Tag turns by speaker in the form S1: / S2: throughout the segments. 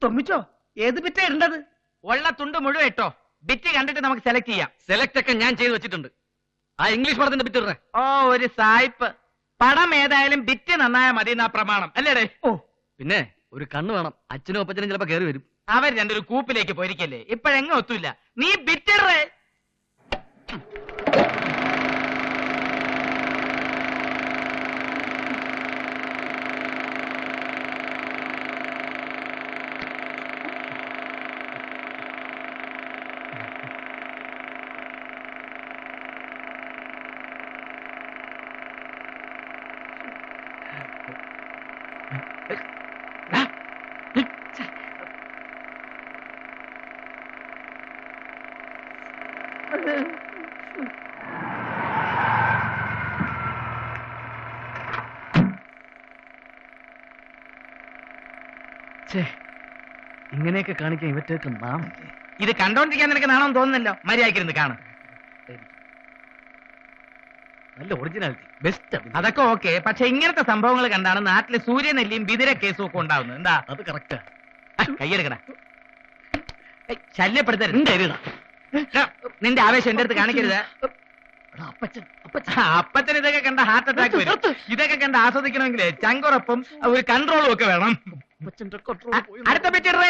S1: തൊമ്മിച്ചോ ഏത് ബിറ്റാ ഇടേണ്ടത്?
S2: ഉള്ള തുണ്ട് മുഴുവൻ ഇട്ടോ. ബിറ്റ് കണ്ടിട്ട് നമുക്ക് സെലക്ട് ചെയ്യാം.
S3: സെലക്ട് ഒക്കെ ഞാൻ ചെയ്ത് വെച്ചിട്ടുണ്ട്. ആ ഇംഗ്ലീഷ് പടത്തിന്റെ ബിറ്റ് ഇടേ.
S2: ഓ ഒരു സായിപ്പ്. പടം ഏതായാലും ബിറ്റ് നന്നായ മതി എന്നാ പ്രമാണം അല്ലേടേ?
S1: ഓ
S3: പിന്നെ ഒരു കണ്ണ് വേണം. അച്ഛനും അപ്പച്ചനും ചിലപ്പോ കയറി വരും.
S2: അവർ രണ്ടൊരു കൂപ്പിലേക്ക് പോയിരിക്കല്ലേ, ഇപ്പഴെങ്ങും ഒത്തൂല്ല. നീ ബിറ്റിടേ.
S3: ഇങ്ങനെയൊക്കെ കാണിക്കാൻ ഇവറ്റേക്ക് നാം.
S2: ഇത് കണ്ടോണ്ടിരിക്കാൻ നിനക്ക് നാണെന്ന് തോന്നുന്നല്ലോ. മര്യാദക്കിരുന്ന് കാണും.
S3: നല്ല ഒറിജിനാലിറ്റി, ബെസ്റ്റ്.
S2: അതൊക്കെ ഓക്കെ, പക്ഷെ ഇങ്ങനത്തെ സംഭവങ്ങൾ കണ്ടാണ് നാട്ടില് സൂര്യനെല്ലിയും ബിദിര കേസും ഒക്കെ ഉണ്ടാവുന്നത്. എന്താ
S3: അത് കറക്റ്റാ.
S2: കയ്യെടുക്കണ, ശല്യപ്പെടുത്തരുത്. നിന്റെ ആവേശം എന്റെ അടുത്ത് കാണിക്കരുത്. അപ്പച്ചൻ ഇതൊക്കെ കണ്ട ഹാർട്ട് അറ്റാക്ക് വരും. ഇതൊക്കെ കണ്ട് ആസ്വദിക്കണമെങ്കിൽ ചങ്കുറപ്പും ഒരു കൺട്രോളും ഒക്കെ വേണം. അടുത്ത പറ്റിടേ.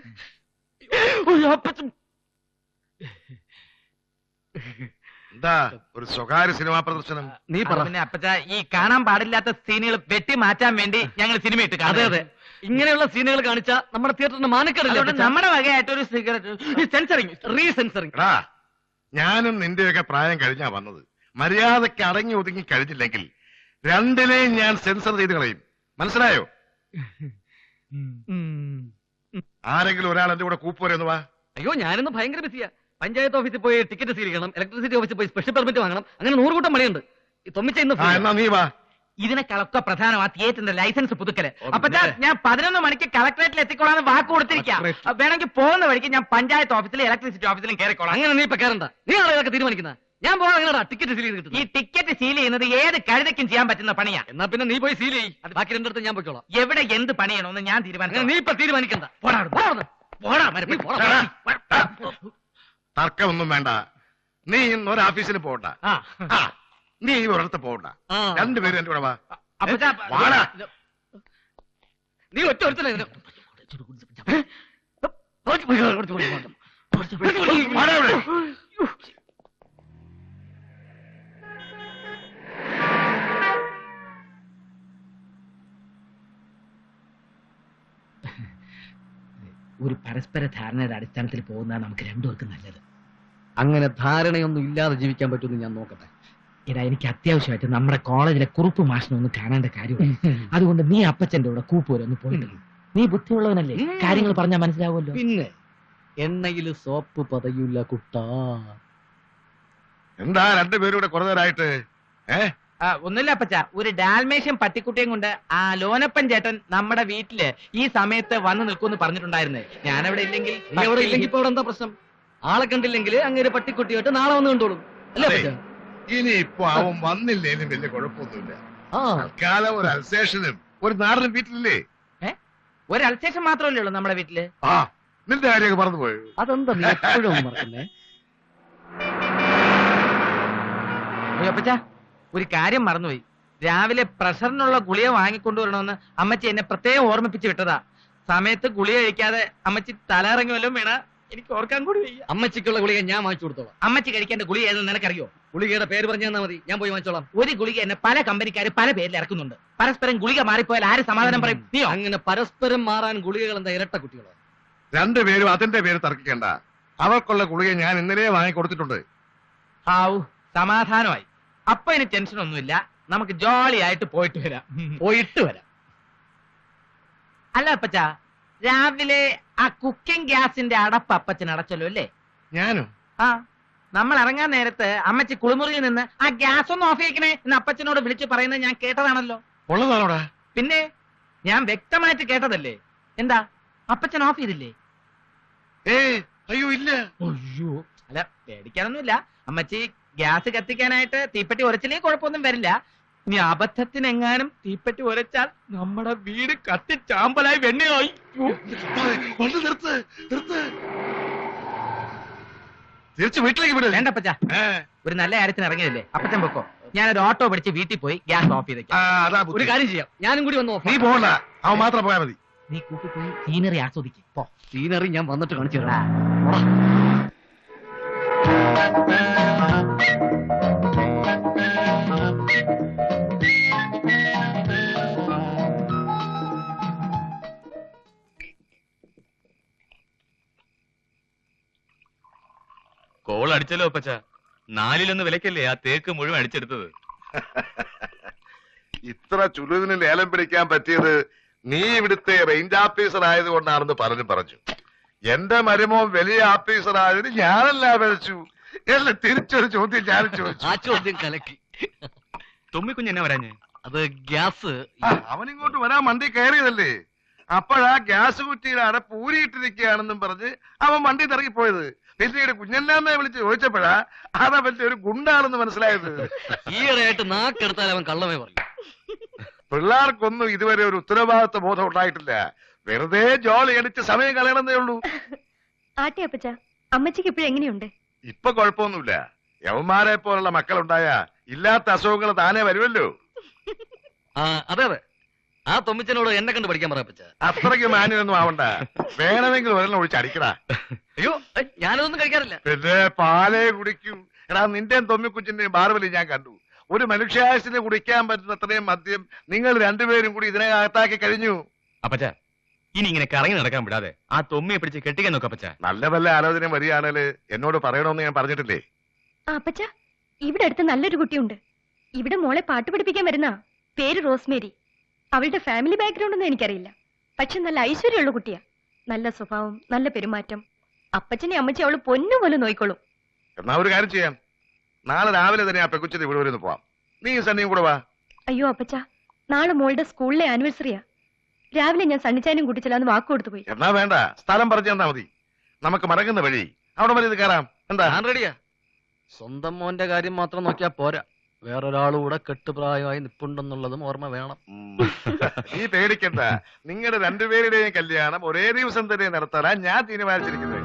S4: എന്താ ഒരു സ്വകാര്യ സിനിമാ പ്രദർശനം?
S2: നീ പറഞ്ഞ അപ്പച്ച, ഈ കാണാൻ പാടില്ലാത്ത സീനുകൾ വെട്ടി മാറ്റാൻ വേണ്ടി ഞങ്ങൾ സിനിമ ഇട്ട് കാണാം.
S3: അതെ, ഇങ്ങനെയുള്ള സീനുകൾ കാണിച്ചാൽ നമ്മുടെ തിയേറ്ററിന് മാനക്കേടില്ല.
S2: നമ്മുടെ വകയായിട്ടൊരു സെൻസറിങ്, റീസെൻസറിങ്.
S4: ഞാനും നിന്റെയൊക്കെ പ്രായം കഴിഞ്ഞാ വന്നത്. മര്യാദയ്ക്ക് അടങ്ങി ഒതുങ്ങി കഴിഞ്ഞില്ലെങ്കിൽ രണ്ടിനെയും ഞാൻ സെൻസർ ചെയ്ത് കളയും. മനസ്സിലായോ? ആരെങ്കിലും ഒരാൾ എന്റെ കൂടെ കൂപ്പുവരെന്ന് വാ.
S3: അയ്യോ, ഞാനിന്ന് ഭയങ്കര ബിസിയാ. പഞ്ചായത്ത് ഓഫീസിൽ പോയി ടിക്കറ്റ് സ്വീകരിക്കണം, ഇലക്ട്രിസിറ്റി ഓഫീസിൽ പോയി സ്പെഷ്യൽ പെർമിറ്റ് വാങ്ങണം. അങ്ങനെ 100 കൂട്ടം പണിയുണ്ട്. തൊമ്മിച്ച ഇന്ന്
S4: എന്നാ നീ വാ.
S2: ഇതിനേക്കാളൊക്കെ പ്രധാനമാ തിയേറ്ററിന്റെ ലൈസൻസ് പുതുക്കല്. അപ്പൊ ഞാൻ 11 മണിക്ക് കളക്ടറേറ്റിൽ എത്തിക്കോളാന്ന് വാക്ക് കൊടുത്തിരിക്കാം. വേണമെങ്കിൽ പോകുന്ന വഴിക്ക് ഞാൻ പഞ്ചായത്ത് ഓഫീസിലും ഇലക്ട്രിസിറ്റി ഓഫീസിലും കയറിക്കോളാം.
S3: അങ്ങനെ നീ ഇപ്പൊ കയറണ്ട. നീ ആളെ തീരുമാനിക്കുന്ന. ഞാൻ പോകാൻ ടിക്കറ്റ് സീൽ ചെയ്ത്.
S2: ഈ ടിക്കറ്റ് സീൽ ചെയ്യുന്നത് ഏത് കഴുതയ്ക്കും ചെയ്യാൻ പറ്റുന്ന പണിയാ.
S3: എന്നാ പിന്നെ നീ പോയി സീൽ ചെയ്യ്. ബാക്കി രണ്ടിടത്ത് ഞാൻ പോയിക്കോളാം.
S2: എവിടെ എന്ത് പണിയണമെന്ന് ഞാൻ തീരുമാനിക്കാം.
S3: നീ ഇപ്പൊ തീരുമാനിക്കണ്ട.
S4: തർക്കമൊന്നും വേണ്ട. നീ ഇന്ന് ഒരു ഓഫീസിൽ പോകണ്ട. നീ ഒരിടത്ത് പോകണ്ട. രണ്ടുപേരും എന്റെ കൂടെ വാ.
S3: നീ ഒറ്റ ഒരുത്തല്ലേ.
S2: ഒരു പരസ്പര ധാരണയുടെ അടിസ്ഥാനത്തിൽ പോകുന്നതാണ് നമുക്ക് രണ്ടുപേർക്കും നല്ലത്.
S3: അങ്ങനെ ധാരണയൊന്നും ഇല്ലാതെ ജീവിക്കാൻ പറ്റുമെന്ന് ഞാൻ നോക്കട്ടെ.
S2: ഇതാ, എനിക്ക് അത്യാവശ്യമായിട്ട് നമ്മുടെ കോളേജിലെ കുറുപ്പ് മാഷിനെ ഒന്ന് കാണേണ്ട കാര്യമാണ്. അതുകൊണ്ട് നീ അപ്പച്ചന്റെ കൂടെ കൂപ്പൂരൊന്ന് പോയിട്ട്. നീ ബുദ്ധിയുള്ളവനല്ലേ, കാര്യങ്ങൾ പറഞ്ഞാൽ മനസ്സിലാവുമല്ലോ.
S3: പിന്നെ എണ്ണയിൽ സോപ്പ് പതയൂല കുട്ടാ.
S4: എന്താ രണ്ടുപേരും കൂടെ കുറേ നേരമായിട്ട്?
S2: ഒന്നുമില്ല അപ്പച്ച, ഒരു ഡാൽമേഷ്യൻ പട്ടിക്കുട്ടിയും കൊണ്ട് ആ ലോനപ്പൻ ചേട്ടൻ നമ്മുടെ വീട്ടില് ഈ സമയത്ത് വന്ന് നിൽക്കുമെന്ന് പറഞ്ഞിട്ടുണ്ടായിരുന്നേ. ഞാനവിടെ ഇല്ലെങ്കിൽ
S3: ഇപ്പൊ അവിടെ എന്താ പ്രശ്നം? ആളെ കണ്ടില്ലെങ്കിൽ അങ്ങനെ പട്ടിക്കുട്ടിയായിട്ട് നാളെ വന്ന് കണ്ടോളും അല്ലേ?
S4: ഇനി ഇപ്പൊ അവൻ വന്നില്ലേലും വലിയ കുഴപ്പമൊന്നുമില്ല. കാലം ഒരു അൽസേഷനും ഒരു നാടനും വീട്ടിലില്ലേ?
S2: ഒരു അൽസേഷൻ മാത്രമല്ലേ ഉള്ളൂ നമ്മുടെ വീട്ടില്.
S4: നിന്റെ കാര്യമൊക്കെ മറന്നുപോയോ?
S3: അതെന്താ നീ എപ്പോഴും മറക്കുന്നേ?
S2: അപ്പച്ച, ഒരു കാര്യം മറന്നുപോയി. രാവിലെ പ്രഷറിനുള്ള ഗുളിക വാങ്ങിക്കൊണ്ടുവരണമെന്ന് അമ്മച്ചി എന്നെ പ്രത്യേകം ഓർമ്മിപ്പിച്ച് വിട്ടതാ. സമയത്ത് ഗുളിക കഴിക്കാതെ അമ്മച്ചി തലയിറങ്ങി വല്ലതും വീണ എനിക്ക് ഓർക്കാൻ കൂടി വയ്യ.
S3: അമ്മച്ചിക്കുള്ള ഗുളിക ഞാൻ വാങ്ങിച്ചു കൊടുത്തോളാം.
S2: അമ്മച്ചി കഴിക്കേണ്ട ഗുളിക ഏതെന്ന് നിനക്കറിയോ?
S3: ഗുളികയുടെ പേര് പറഞ്ഞു തന്നാൽ മതി, ഞാൻ പോയി വാങ്ങിച്ചോളാം.
S2: ഒരു ഗുളിക എന്നെ പല കമ്പനിക്കാർ പല പേരിൽ ഇറക്കുന്നുണ്ട്. പരസ്പരം ഗുളിക മാറിപ്പോയാൽ ആര് സമാധാനം പറയും? നീയോ?
S3: അങ്ങനെ പരസ്പരം മാറാൻ ഗുളികകൾ എന്താ ഇരട്ട കുട്ടികളോ?
S4: രണ്ടുപേരും അതിന്റെ പേര് തർക്കിക്കണ്ട. അവർക്കുള്ള ഗുളിക ഞാൻ ഇന്നലെ വാങ്ങിക്കൊടുത്തിട്ടുണ്ട്.
S2: ആവു, സമാധാനമായി. അപ്പൊ ഇനി ടെൻഷൻ ഒന്നുമില്ല. നമുക്ക് ജോളി ആയിട്ട് പോയിട്ട് വരാം. അല്ല അപ്പച്ച, രാവിലെ ആ കുക്കിംഗ് ഗ്യാസിന്റെ അടപ്പ് അപ്പച്ചൻ അടച്ചല്ലോ അല്ലേ?
S4: ഞാനും
S2: നമ്മൾ ഇറങ്ങാൻ നേരത്ത് അമ്മച്ചി കുളിമുറിയിൽ നിന്ന് ആ ഗ്യാസ് ഒന്ന് ഓഫ് ചെയ്യിക്കണേ എന്ന് അപ്പച്ചനോട് വിളിച്ചു പറയുന്നത് ഞാൻ കേട്ടതാണല്ലോ.
S4: ഉള്ളതാണോടാ?
S2: പിന്നെ ഞാൻ വ്യക്തമായിട്ട് കേട്ടതല്ലേ. എന്താ അപ്പച്ചൻ ഓഫ് ചെയ്തില്ലേ?
S4: അയ്യോ ഇല്ല.
S2: അയ്യോ, അല്ല പേടിക്കാനൊന്നുമില്ല. അമ്മച്ചി ഗ്യാസ് കത്തിക്കാനായിട്ട് തീപ്പെട്ടി ഉരച്ചില്ലെങ്കിൽ കുഴപ്പമൊന്നും വരില്ല. ഇനി അബദ്ധത്തിനെങ്ങാനും തീപ്പറ്റി ഉരച്ചാൽ നമ്മുടെ വീട് കത്തി ചാമ്പലായി വെണ്ണയായി.
S4: വണ്ടി നിർത്ത് നിർത്ത്. തിരിച്ച് വീട്ടിലേക്ക് വിട്.
S2: വേണ്ട അപ്പച്ച, ഒരു നല്ല കാര്യത്തിന് ഇറങ്ങിയതല്ലേ, അപ്പച്ചൻ പൊക്കോ. ഞാനൊരു ഓട്ടോ പിടിച്ച് വീട്ടിൽ പോയി ഗ്യാസ് ഓഫ് ചെയ്തേക്കാം.
S4: അതാ
S3: ഒരു
S4: ബുദ്ധി.
S3: കാര്യം ചെയ്യാം, ഞാനും കൂടി വന്നു
S4: നീ പോകണ്ട, അവൻ മാത്രം പോയാൽ മതി.
S2: നീ കൂട്ടി പോയി സീനറി ആസ്വദിക്കും. പോ.
S3: സീനറി ഞാൻ വന്നിട്ട് കാണിച്ചു തരാം.
S5: കോൾ അടിച്ചല്ലോ അപ്പച്ച. 4-1 വിലക്കല്ലേ ആ തേക്ക് മുഴുവൻ അടിച്ചെടുത്തത്.
S4: ഇത്ര ചുലുവിന് ലേലം പിടിക്കാൻ പറ്റിയത് നീ ഇവിടുത്തെ റേഞ്ച് ഓഫീസർ ആയതുകൊണ്ടാണെന്ന് പറഞ്ഞു. എന്റെ മരുമോൻ വലിയ ഓഫീസർ ആയതിന് ഞാനല്ല വിളിച്ചു. എല്ലാം തിരിച്ചൊരു ചോദ്യം ഞാൻ ചോദിച്ചു.
S3: ആ ചോദ്യം കലക്കി.
S5: തൊമ്മിക്കുഞ്ഞ് എന്നാ വരാഞ്ഞ്?
S3: അത് ഗ്യാസ്.
S4: അവനിങ്ങോട്ട് വരാൻ വണ്ടി കയറിയതല്ലേ, അപ്പോഴാ ഗ്യാസ് കുറ്റിയുടെ അടപ്പ് ഊരിയിട്ടിരിക്കുകയാണെന്നും പറഞ്ഞ് അവൻ വണ്ടി ഇറങ്ങിപ്പോയത്. പിന്നീട് കുഞ്ഞല്ലാമ്മയെ വിളിച്ച് ചോദിച്ചപ്പോഴാ അതവന്റെ ഒരു ഗുണ്ടാണെന്ന് മനസ്സിലായത്.
S3: ഈയിടെയായിട്ട് നാക്കെടുത്താൽ അവൻ കള്ളമേ പറയും.
S4: പിള്ളേർക്കൊന്നും ഇതുവരെ ഒരു ഉത്തരവാദിത്വ ബോധം ഉണ്ടായിട്ടില്ല. വെറുതെ ജോലി അടിച്ച് സമയം കളയണമെന്നേ ഉള്ളൂ.
S6: ആട്ടെ അപ്പച്ച, അമ്മച്ചിക്ക് ഇപ്പോഴും എങ്ങനെയുണ്ട്?
S4: ഇപ്പൊ കുഴപ്പമൊന്നുമില്ല. യവന്മാരെ പോലുള്ള മക്കളുണ്ടായ ഇല്ലാത്ത അസുഖങ്ങൾ താനേ വരുമല്ലോ.
S3: അതെ അതെ, ആ തൊമ്മിച്ചനോട് എന്നെ കണ്ട് പഠിക്കാൻ പറയപ്പച്ച.
S4: അത്രയ്ക്ക് മാന്യനൊന്നും ആവണ്ട. വേണമെങ്കിൽ ഒരെണ്ണം ഒഴിച്ച് അടിക്കടാ.
S3: അയ്യോ, ഞാനതൊന്നും കഴിക്കാറില്ല.
S4: പിന്നെ പാലേ കുടിക്കും. എടാ, നിന്റെയും തൊമ്മിക്കുച്ചിന്റെയും ബാർബലി ഞാൻ കണ്ടു. ഒരു മനുഷ്യായുസിന് കുടിക്കാൻ പറ്റുന്ന അത്രയും മദ്യം നിങ്ങൾ രണ്ടുപേരും കൂടി ഇതിനകത്താക്കി കഴിഞ്ഞു.
S5: അപ്പച്ച, ഇനി ഇങ്ങനെ കറങ്ങി നടക്കാൻ വിടാതെ ആ തൊമ്മിയെ പിടിച്ച് കെട്ടിക്കാൻ നോക്കപ്പച്ച.
S4: നല്ല വല്ല ആലോചന വരികയാണെങ്കിൽ എന്നോട് പറയണമെന്ന് ഞാൻ പറഞ്ഞിട്ടില്ലേ?
S6: അപ്പച്ച, ഇവിടെ അടുത്ത് നല്ലൊരു കുട്ടിയുണ്ട്. ഇവിടെ മോളെ പാട്ട് പഠിപ്പിക്കാൻ വരുന്ന. പേര് റോസ്മേരി. അവളുടെ ഫാമിലി ബാക്ക്ഗ്രൗണ്ട് ഒന്നും എനിക്കറിയില്ല. പക്ഷെ നല്ല ഐശ്വര്യമുള്ള കുട്ടിയാ. നല്ല സ്വഭാവം, നല്ല പെരുമാറ്റം. അപ്പച്ചനെ അമ്മച്ചി അവള് പൊന്നുപോലെ നോയിക്കോളും.
S4: എന്നാ ഒരു കാര്യം ചെയ്യാം, നാളെ രാവിലെ തന്നെ ആ പെക്കുച്ചിന്റെ ഇവിടെ വരെ പോവാം. നീ സണ്ണിയും കൂടെ വാ.
S6: അയ്യോ അപ്പച്ച, നാളെ മോളുടെ സ്കൂളിലെ ആനിവേഴ്സറിയാ. രാവിലെ ഞാൻ സണ്ണിച്ചാനും കൂട്ടിച്ചെല്ലാന്ന് വാക്ക് കൊടുത്തു പോയി.
S4: എന്നാ വേണ്ട, സ്ഥലം പറഞ്ഞു തന്നാ മതി. നമുക്ക് മടങ്ങുന്ന വഴി അവിടെ വരെ ഇത് കയറാം. എന്താ?
S3: ഞാൻ റെഡിയാ. സ്വന്തം മോന്റെ കാര്യം മാത്രം നോക്കിയാ പോരാ, വേറൊരാളുകൂടെ കെട്ടുപ്രായമായി നിപ്പുണ്ടെന്നുള്ളതും ഓർമ്മ വേണം.
S4: നീ പേടിക്കണ്ട, നിങ്ങളുടെ രണ്ടുപേരുടെയും കല്യാണം ഒരേ ദിവസം തന്നെ നടത്താനാ ഞാൻ തീരുമാനിച്ചിരിക്കുന്നത്.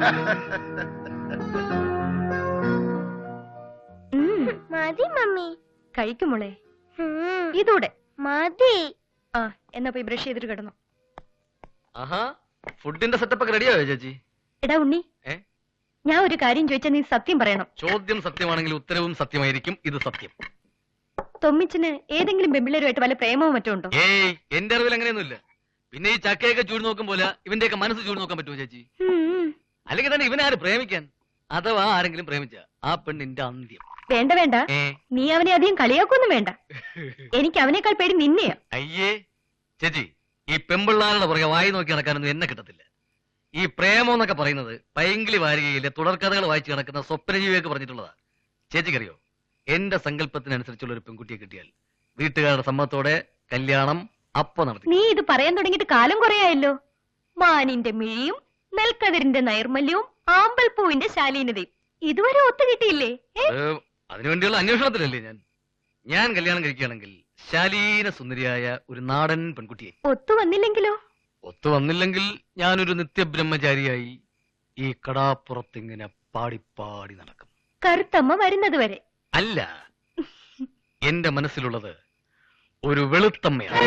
S6: മതി മമ്മി. കഴിക്കും മോളെ, ഇതൂടെ മതി. ആ, എന്നാ പോയി ബ്രഷ് ചെയ്തിട്ട് കിടന്നു.
S3: ആഹാ, ഫുഡിന്റെ സെറ്റപ്പ് ഒക്കെ റെഡിയായോ ചേച്ചി?
S6: എടാ ഉണ്ണി, ഞാൻ ഒരു കാര്യം ചോദിച്ചാൽ നീ സത്യം പറയണം.
S3: ചോദ്യം സത്യമാണെങ്കിൽ ഉത്തരവും സത്യമായിരിക്കും. ഇത് സത്യം.
S6: തൊമ്മിച്ചിന് ഏതെങ്കിലും പെമ്പിള്ളേരുമായിട്ട് വല്ല പ്രേമവും മറ്റോ ഉണ്ടോ?
S3: ഏയ്, എന്റെ അറിവിൽ അങ്ങനെയൊന്നുമില്ല. പിന്നെ ഈ ചക്കയൊക്കെ ചൂട് നോക്കും പോലെ ഇവന്റെയൊക്കെ മനസ്സ് ചൂട് നോക്കാൻ പറ്റുമോ ചേച്ചി? അല്ലെങ്കിൽ തന്നെ ഇവനെ ആര് പ്രേമിക്കാൻ? അഥവാ ആരെങ്കിലും പ്രേമിച്ച ആ പെണ്ണിന്റെ അന്ത്യം.
S6: വേണ്ട വേണ്ട, നീ അവനെ അധികം കളിയാക്കൊന്നും വേണ്ട. എനിക്ക് അവനേക്കാൾ പേടി നിന്നെയാ.
S3: അയ്യേ ചേച്ചി, ഈ പെമ്പിള്ളാരുടെ പുറകെ വായി നോക്കി നടക്കാനൊന്നും എന്നെ കിട്ടത്തില്ല. ഈ പ്രേമം എന്നൊക്കെ പറയുന്നത് പൈങ്കിളി വാരികയിലെ തുടർക്കഥകൾ വായിച്ചു കിടക്കുന്ന സ്വപ്നജീവിയൊക്കെ പറഞ്ഞിട്ടുള്ളതാ. ചേച്ചിക്കറിയോ, എന്റെ സങ്കല്പത്തിനനുസരിച്ചുള്ള ഒരു പെൺകുട്ടിയെ കിട്ടിയാൽ വീട്ടുകാരുടെ സമ്മതത്തോടെ കല്യാണം അപ്പൊ നടത്തി.
S6: നീ ഇത് പറയാൻ തുടങ്ങിയിട്ട് കാലം കുറയായല്ലോ. മാനിന്റെ മിഴിയും നെൽക്കതിരിന്റെ നൈർമല്യവും ആമ്പൽപ്പൂവിന്റെ ശാലീനതയും ഇതുവരെ ഒത്തു കിട്ടിയില്ലേ?
S3: അതിനുവേണ്ടിയുള്ള അന്വേഷണത്തിലല്ലേ ഞാൻ കല്യാണം കഴിക്കുകയാണെങ്കിൽ ശാലീന സുന്ദരിയായ ഒരു നാടൻ പെൺകുട്ടിയെ.
S6: ഒത്തു വന്നില്ലെങ്കിലോ?
S3: ഒത്തു വന്നില്ലെങ്കിൽ ഞാനൊരു നിത്യബ്രഹ്മചാരിയായി ഈ കടാപ്പുറത്തിങ്ങനെ പാടിപ്പാടി നടക്കും.
S6: കറുത്തമ്മ വരുന്നത് വരെ?
S3: അല്ല, എന്റെ മനസ്സിലുള്ളത് ഒരു വെളുത്തമ്മയാണ്.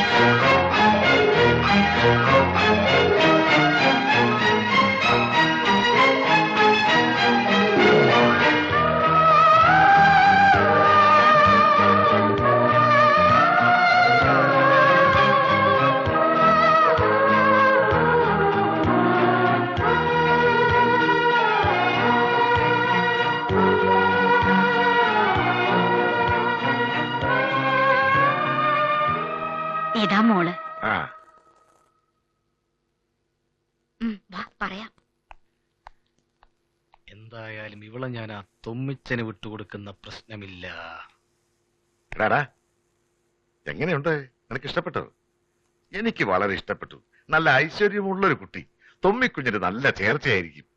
S6: ഇതാ മോള്.
S4: ആ,
S6: പറയാം.
S3: എന്തായാലും ഇവളെ ഞാൻ ആ തൊമ്മിച്ചന് വിട്ടുകൊടുക്കുന്ന പ്രശ്നമില്ല.
S4: എടാടാ, എങ്ങനെയുണ്ട്? നിനക്ക് ഇഷ്ടപ്പെട്ടോ? എനിക്ക് വളരെ ഇഷ്ടപ്പെട്ടു. നല്ല ഐശ്വര്യമുള്ളൊരു കുട്ടി. തൊമ്മിക്കുഞ്ഞിന് നല്ല ചേർച്ചയായിരിക്കും.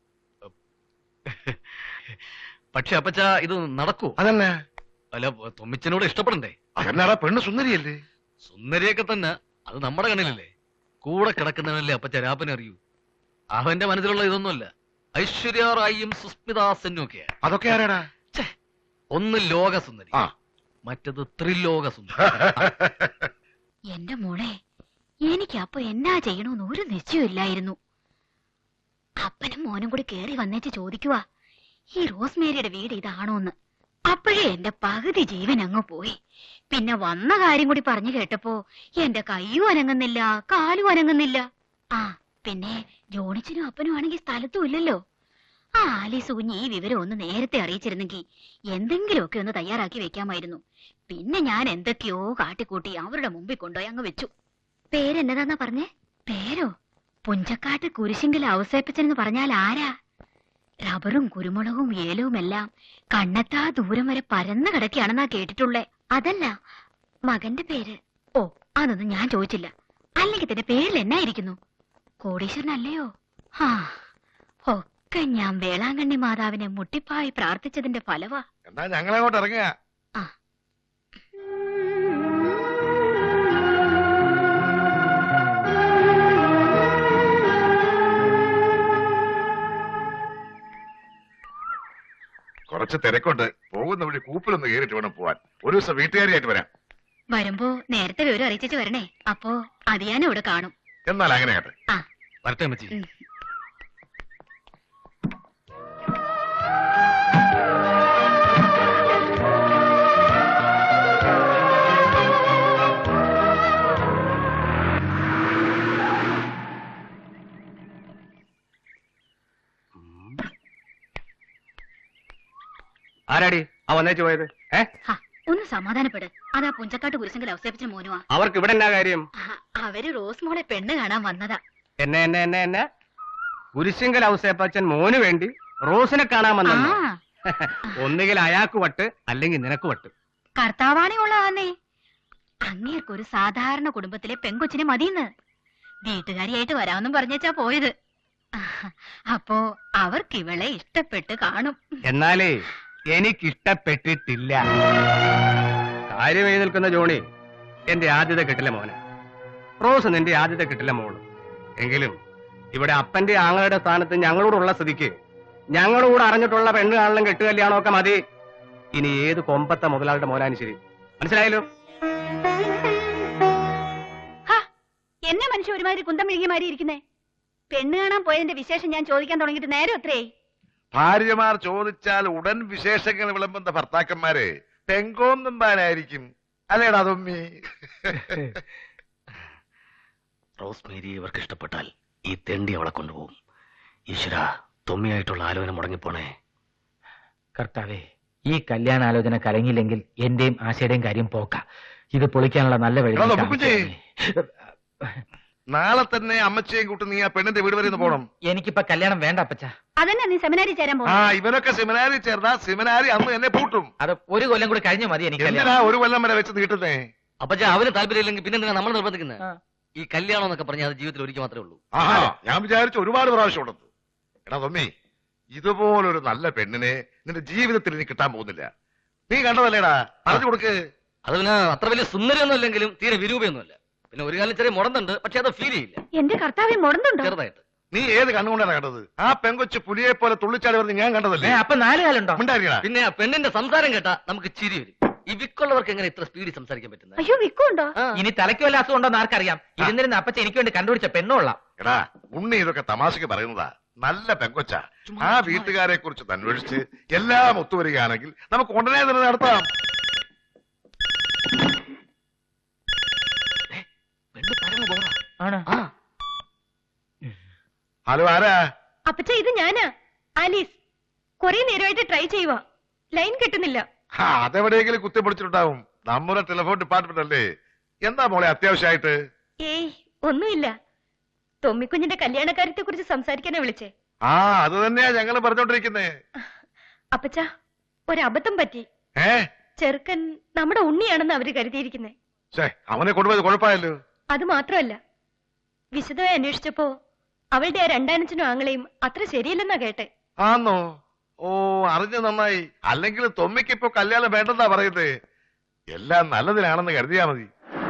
S3: പക്ഷെ അപ്പച്ച ഇത് നടക്കൂ?
S4: അതന്നെ.
S3: അല്ല, തൊമ്മിച്ചനോട് ഇഷ്ടപ്പെടണ്ടേ?
S4: അതെന്നാടാ പെണ്ണ് സുന്ദരിയല്ലേ?
S3: സുന്ദരിയൊക്കെ തന്നെ, അത് നമ്മുടെ കണ്ണിലല്ലേ. കൂടെ കിടക്കുന്നവനല്ലേ അപ്പച്ച രാപ്പനെ അറിയൂ. അവന്റെ മനസ്സിലുള്ള ഇതൊന്നുമല്ല. ഐശ്വര്യ റായിയും സുസ്മിതാ സെന്നും ഒക്കെയാ.
S4: അതൊക്കെ ആരാടാ?
S3: ഒന്ന് ലോകസുന്ദരി,
S4: ആ.
S3: മറ്റത് ത്രിലോക സുന്ദരി.
S7: എന്റെ മോളെ, എനിക്ക് അപ്പൊ എന്നാ ചെയ്യണമെന്ന് ഒരു നിശ്ചയമില്ലായിരുന്നു. അപ്പനും മോനും കൂടി കേറി വന്നേച്ച് ചോദിക്കുവാ ഈ റോസ്മേരിയുടെ വീട് ഇതാണോന്ന്. അപ്പോഴേ എന്റെ പകുതി ജീവൻ അങ്ങ് പോയി. പിന്നെ വന്ന കാര്യം കൂടി പറഞ്ഞു കേട്ടപ്പോ എന്റെ കയ്യും അനങ്ങുന്നില്ല, കാലും അനങ്ങുന്നില്ല. ആ പിന്നെ ജോണിച്ചനും അപ്പനും ആണെങ്കിൽ സ്ഥലത്തും ഇല്ലല്ലോ. ആ ആലീസ് കുഞ്ഞ് ഈ വിവരം ഒന്ന് നേരത്തെ അറിയിച്ചിരുന്നെങ്കിൽ എന്തെങ്കിലുമൊക്കെ ഒന്ന് തയ്യാറാക്കി വെക്കാമായിരുന്നു. പിന്നെ ഞാൻ എന്തൊക്കെയോ കാട്ടിക്കൂട്ടി അവരുടെ മുമ്പിൽ കൊണ്ടുപോയി അങ്ങ് വെച്ചു. പേരെന്നതാന്നാ പറഞ്ഞേ? പേരോ? പുഞ്ചക്കാട്ട് കുരിശിങ്കൽ ഔസേപ്പച്ചനെന്ന് പറഞ്ഞാൽ ആരാ? റബ്ബറും കുരുമുളകും ഏലവും എല്ലാം കണ്ണെത്താ ദൂരം വരെ പരന്നു കിടക്കുകയാണെന്നാ കേട്ടിട്ടുള്ളേ. അതല്ല മകന്റെ പേര്. ഓ അതൊന്നും ഞാൻ ചോദിച്ചില്ല. അല്ലെങ്കിൽ തന്നെ പേരിൽ എന്നായിരിക്കുന്നു? കോടീശ്വരനല്ലയോ? ആ ഒക്കെ ഞാൻ വേളാങ്കണ്ണി മാതാവിനെ മുട്ടിപ്പായി പ്രാർത്ഥിച്ചതിന്റെ ഫലവാ.
S4: എന്നാ ഞങ്ങളങ്ങോട്ട് ഇറങ്ങുക.
S7: ആ
S4: കുറച്ച് തിരക്കുണ്ട്. പോകുന്ന വഴി കൂപ്പിലൊന്ന് കയറിയിട്ട് വേണം പോവാൻ. ഒരു ദിവസം വീട്ടുകാരിയായിട്ട് വരാം.
S7: വരുമ്പോ നേരത്തെ വിവരം അറിയിച്ചു വരണേ. അപ്പോ അത് ഞാൻ ഇവിടെ കാണും.
S4: എന്നാൽ അങ്ങനെ കേട്ടെ.
S7: ആ
S3: വരട്ടെ അമ്മച്ചി.
S7: ഉം.
S8: ആരാടി ആ വന്നേച്ചു പോയത്?
S7: ഹാ, ഒന്ന് സമാധാനപ്പെട്. അതാ പുഞ്ചക്കാട്ട് കുരിശെങ്കിൽ അവസേപ്പിച്ചിന് മോനുവാ.
S8: അവർക്ക് ഇവിടെ എന്നാ കാര്യം?
S7: അവര് റോസ് മോളെ പെണ്ണ് കാണാൻ വന്നതാ.
S8: എന്നെ കുരിശിങ്കൽ ഔസേപ്പച്ചൻ മോന് വേണ്ടി റോസിനെ കാണാൻ വന്ന
S7: ആ
S8: ഒന്നുകിൽ അയാൾക്ക് വട്ട് അല്ലെങ്കിൽ നിനക്ക് വട്ട്.
S7: കർത്താവാണി ഉള്ളതാന്നേ. അങ്ങേർക്കൊരു സാധാരണ കുടുംബത്തിലെ പെങ്കൊച്ചിനെ മതിയെന്ന് വീട്ടുകാരിയായിട്ട് വരാമെന്നും പറഞ്ഞേച്ചാ പോയത്. അപ്പോ അവർക്ക് ഇവളെ ഇഷ്ടപ്പെട്ട് കാണും.
S8: എന്നാലേ എനിക്കിഷ്ടപ്പെട്ടിട്ടില്ല. കാര്യം എഴുതി നിൽക്കുന്ന ജോണി എന്റെ ആദ്യത്തെ കെട്ടിലെ മോന്, റോസ് നിന്റെ ആദ്യത്തെ കെട്ടിലെ മോള്. എങ്കിലും ഇവിടെ അപ്പന്റെ ആങ്ങളുടെ സ്ഥാനത്ത് ഞങ്ങളോടുള്ള സ്ഥിതിക്ക് ഞങ്ങളോട് അറിഞ്ഞിട്ടുള്ള പെണ്ണ് കാണലും കെട്ട് കല്യാണമൊക്കെ മതി. ഇനി ഏത് കൊമ്പത്തെ മുതലാളുടെ മോനാനും ശരി. മനസ്സിലായല്ലോ?
S7: എന്നെ മനുഷ്യ ഒരുമാതിരി കുന്തം വിഴുകിമാരി ഇരിക്കുന്നേ. പെണ്ണ് കാണാൻ പോയതിന്റെ വിശേഷം ഞാൻ ചോദിക്കാൻ തുടങ്ങിയിട്ട് നേരെ എത്രയായി?
S4: ഭാര്യമാർ ചോദിച്ചാൽ ഉടൻ വിശേഷങ്ങൾ വിളമ്പുന്ന ഭർത്താക്കന്മാര് പെങ്കോന്നുമ്പാനായിരിക്കും. അല്ലേടാ തൊമ്മി?
S3: റോസ്മേരി ഇവർക്ക് ഇഷ്ടപ്പെട്ടാൽ ഈ തെണ്ടി അവളെ കൊണ്ടുപോകും. ഈശ്വര, തൊമ്മിയായിട്ടുള്ള ആലോചന മുടങ്ങിപ്പോണേ.
S2: കർത്താവേ, ഈ കല്യാണാലോചന കലങ്ങിയില്ലെങ്കിൽ എന്റെയും ആശയുടെയും കാര്യം പോക്ക. ഇത് പൊളിക്കാനുള്ള നല്ല വഴി
S4: എടാ,
S2: നീ
S4: നോക്കുകുഞ്ഞേ.
S2: കാണിച്ചു തരണേ.
S4: നാളെ തന്നെ അമ്മച്ചയും കൂട്ടി നീ ആ പെണ്ണിന്റെ വീട് വരെ ഒന്ന് പോണം.
S2: എനിക്കിപ്പോ കല്യാണം വേണ്ട അപ്പച്ച.
S7: അതന്നെ നീ സെമിനാരി ചേരാൻ
S4: ആ
S7: പോകും.
S4: ഇവനൊക്കെ സെമിനാരി ചേർന്നാ സെമിനാരി അന്ന് എന്നെ പൂട്ടും.
S2: അത് ഒരു കൊല്ലം കൂടി കഴിഞ്ഞു മതി എനിക്ക്
S4: എന്തിനാ
S2: കല്യാണം.
S4: ഒരു കൊല്ലം വരെ വെച്ച് നീട്ടുന്നേ?
S3: അപ്പച്ച അവന് താല്പര്യമില്ലെങ്കിൽ പിന്നെ നമ്മൾ നിർബന്ധിക്കുന്നത്.
S2: ആ.
S3: ഈ കല്യാണം എന്നൊക്കെ പറഞ്ഞാൽ അത് ജീവിതത്തിൽ ഒരിക്കൽ മാത്രമേ ഉള്ളൂ.
S4: ആഹാ, ഞാൻ വിചാരിച്ചു ഒരുപാട് പ്രാവശ്യം ഉണ്ടെന്ന്. എടാ തൊമ്മി, ഇതുപോലൊരു നല്ല പെണ്ണിനെ നിന്റെ ജീവിതത്തിൽ ഇനി കിട്ടാൻ പോകുന്നില്ല. നീ കണ്ടതല്ലേടാ? പറഞ്ഞു കൊടുക്ക്.
S3: അത് പിന്നെ അത്ര വലിയ സുന്ദരിയൊന്നും അല്ലെങ്കിലും തീരെ വിരൂപയൊന്നുമല്ല. പിന്നെ ഒരു കാലം ചെറിയ മുടന്നുണ്ട്, പക്ഷെ അത് ഫീൽ ചെയ്യില്ല.
S7: എന്റെ കർത്താവെ മുടന്നുണ്ടോ?
S3: ചെറുതായിട്ട്.
S4: നീ ഏത് കണ്ണുകൊണ്ടാണ് കണ്ടത്? ആ പെങ്കൊച്ച് പുലിയെ പോലെ തുള്ളിച്ചാടി പറഞ്ഞ് ഞാൻ കണ്ടതല്ലേ?
S2: അപ്പൊ 4 കാലുണ്ടോ?
S4: ഉണ്ടായിരിക്കണ.
S3: പിന്നെ ആ പെണ്ണിന്റെ സംസാരം കേട്ടാ നമുക്ക് ചിരി വരും. ഈ വിക്കുള്ളവർക്ക് എങ്ങനെ ഇത്ര സ്പീഡിൽ സംസാരിക്കാൻ പറ്റുന്നത്?
S7: അയ്യോ വിക്കുണ്ടോ?
S2: ഇനി തലയ്ക്ക് വല്ല അസുഖം ഉണ്ടോന്ന് ആർക്കറിയാം. ഇരുന്നിരുന്ന അപ്പച്ച എനിക്ക് വേണ്ടി കണ്ടുപിടിച്ച പെണ്ണുള്ള.
S4: എടാ ഉണ്ണി ഇതൊക്കെ തമാശക്ക് പറയുന്നതാ. നല്ല പെങ്കൊച്ച. ആ വീട്ടുകാരെ കുറിച്ച് അന്വേഷിച്ച് എല്ലാം ഒത്തുവരികയാണെങ്കിൽ നമുക്ക് ഉടനെ തന്നെ നടത്താം.
S3: പെണ്ണ് പരമ ബോറാ.
S2: ആണ്.
S3: ആ,
S4: ഹലോ, ആരാ?
S6: അപ്പച്ച ഇത് ഞാനാ, ആലീസ്. കുറെ നേരമായിട്ട് ട്രൈ ചെയ്യുവാ, ലൈൻ കിട്ടുന്നില്ല.
S4: അതെവിടെയെങ്കിലും കുത്തിപ്പൊടിച്ചിട്ടുണ്ടാവും. നമ്മുടെ ടെലിഫോൺ ഡിപ്പാർട്ട്മെന്റ് അല്ലേ. എന്താ മോളെ അത്യാവശ്യമായിട്ട്?
S6: ഏയ് ഒന്നുമില്ല, തൊമ്മിക്കുഞ്ഞിന്റെ കല്യാണക്കാര്യത്തെ കുറിച്ച് സംസാരിക്കാനാ വിളിച്ചേ.
S4: ആ അത് തന്നെയാ ഞങ്ങൾ പറഞ്ഞോണ്ടിരിക്കുന്നേ.
S6: അപ്പച്ച ഒരബദ്ധം പറ്റി.
S4: ഏ
S6: ചെറുക്കൻ നമ്മുടെ ഉണ്ണിയാണെന്ന് അവര് കരുതിയിരിക്കുന്നേ.
S4: അവനെ കൊണ്ടുപോയത് കുഴപ്പമായല്ലോ.
S6: അത് മാത്രമല്ല, വിശദമായി അന്വേഷിച്ചപ്പോ അവളുടെ ആ രണ്ടാനച്ചനും ആങ്ങളെയും അത്ര ശരിയല്ലെന്നാ കേട്ടെ.
S4: ആന്നോ? ഓ, അറിഞ്ഞു നന്നായി. അല്ലെങ്കിൽ തൊമ്മിക്ക് ഇപ്പൊ കല്യാണം വേണ്ടെന്നാ പറയുന്നേ. എല്ലാം നല്ലതിനാണെന്ന് കരുതിയാ മതി.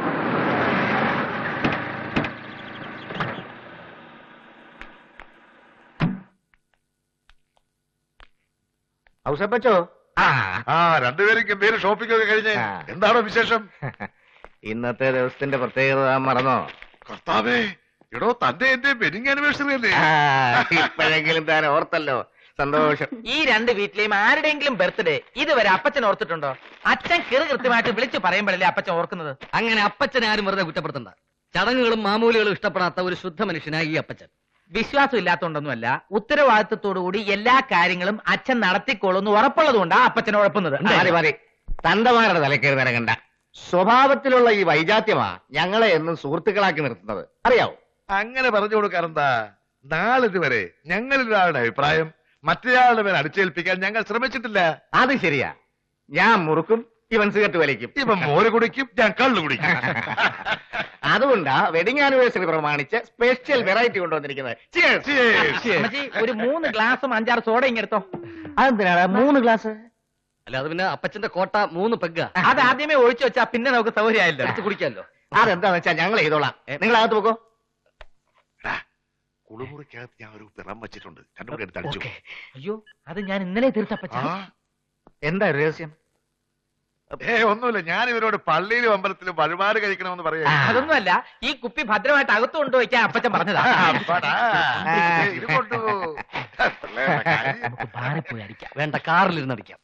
S9: ഔസപ്പച്ചോ,
S4: ആ രണ്ടുപേരും ഗംഭീര ഷോപ്പിംഗ് ഒക്കെ കഴിഞ്ഞ് എന്താണോ വിശേഷം?
S9: ഇന്നത്തെ ദിവസത്തിന്റെ പ്രത്യേകത മറന്നോ?
S4: കർത്താവേ, എടോ തന്റെ എന്റെ വെഡിങ് ആനിവേഴ്സറി അല്ലേ?
S9: ഇപ്പോഴെങ്കിലും താൻ ഓർത്തല്ലോ, സന്തോഷം.
S2: ഈ രണ്ട് വീട്ടിലെയും ആരുടെയെങ്കിലും ബർത്ത്ഡേ ഇതുവരെ അപ്പച്ചൻ ഓർത്തിട്ടുണ്ടോ? അച്ഛൻ കൃത്യമായിട്ട് വിളിച്ചു പറയുമ്പോഴല്ലേ അപ്പച്ചൻ ഓർക്കുന്നത്.
S3: അങ്ങനെ അപ്പച്ചനെ ആരും വെറുതെ കുറ്റപ്പെടുത്തണ്ട. ചടങ്ങുകളും മാമൂലികളും ഇഷ്ടപ്പെടാത്ത ഒരു ശുദ്ധ മനുഷ്യനായി ഈ അപ്പച്ചൻ.
S2: വിശ്വാസം ഇല്ലാത്തോണ്ടൊന്നുമല്ല, ഉത്തരവാദിത്വത്തോടുകൂടി എല്ലാ കാര്യങ്ങളും അച്ഛൻ നടത്തിക്കോളുന്നു ഉറപ്പുള്ളതുകൊണ്ടാ അപ്പച്ചൻ ഉഴപ്പുന്നത്.
S9: മതി മതി, തന്തമാരുടെ തലക്കേറി നിരങ്ങണ്ട. സ്വഭാവത്തിലുള്ള ഈ വൈജാത്യമാ ഞങ്ങളെ എന്നും സുഹൃത്തുക്കളാക്കി നിർത്തുന്നത്, അറിയാവോ?
S4: അങ്ങനെ പറഞ്ഞു കൊടുക്കാറെന്താ? നാളിതുവരെ ഞങ്ങളിൽ ഒരാളുടെ അഭിപ്രായം മറ്റേയാളുടെ മേൽ അടിച്ചേൽപ്പിക്കാൻ ഞങ്ങൾ ശ്രമിച്ചിട്ടില്ല.
S9: അത് ശരിയാ. ഞാൻ മുറുക്കും, ഇവൻ സിഗരറ്റ് വലിക്കും.
S4: ഇപ്പൊ മോര് കുടിക്കും, ഞാൻ കള്ളു കുടിക്കും.
S9: അതുകൊണ്ടാ വെഡിങ് ആനിവേഴ്സറി പ്രമാണിച്ച് സ്പെഷ്യൽ വെറൈറ്റി കൊണ്ടുവന്നിരിക്കുന്നത്. Cheers.
S2: അമ്മച്ചി, ഒരു 3 ഗ്ലാസും 5-6 സോഡ ഇങ്ങെടുത്തോ.
S9: അതെന്തിനാടാ 3 ഗ്ലാസ്?
S3: അല്ല, അത് പിന്നെ അപ്പച്ചന്റെ കോട്ട 3 പെഗ്ഗ.
S2: അത് ആദ്യമേ ഒഴിച്ചു വെച്ചാ പിന്നെ നമുക്ക് സൗകര്യമായല്ലോ.
S3: എടുത്ത് കുടിക്കാമല്ലോ.
S9: അതെന്താന്ന് വെച്ചാ ഞങ്ങൾ ചെയ്തോളാം, നിങ്ങൾ അകത്ത് പോക്കോ.
S4: കുളിമുറിക്കകത്ത് ഞാൻ ഒരു പിറം വെച്ചിട്ടുണ്ട്, രണ്ടുകൂടെ എടുത്ത് അടിച്ചു.
S2: അയ്യോ, അത് ഞാൻ ഇന്നലെ തീർത്തപ്പച്ച.
S9: എന്താ രഹസ്യം?
S4: ഒന്നുമില്ല, ഞാൻ ഇവരോട് പള്ളിയിലും അമ്പലത്തിലും വഴിപാട് കഴിക്കണമെന്ന് പറയാ.
S2: അതൊന്നുമല്ല, ഈ കുപ്പി ഭദ്രമായിട്ട് അകത്ത് കൊണ്ടുപോയിക്കാൻ അപ്പച്ചൻ പറഞ്ഞതാ.
S4: ഇത് കൊണ്ടു
S2: നമുക്ക് ബാറിൽ പോയി അടിക്കാം.
S3: വേണ്ട, കാറിലിരുന്ന് അടിക്കാം.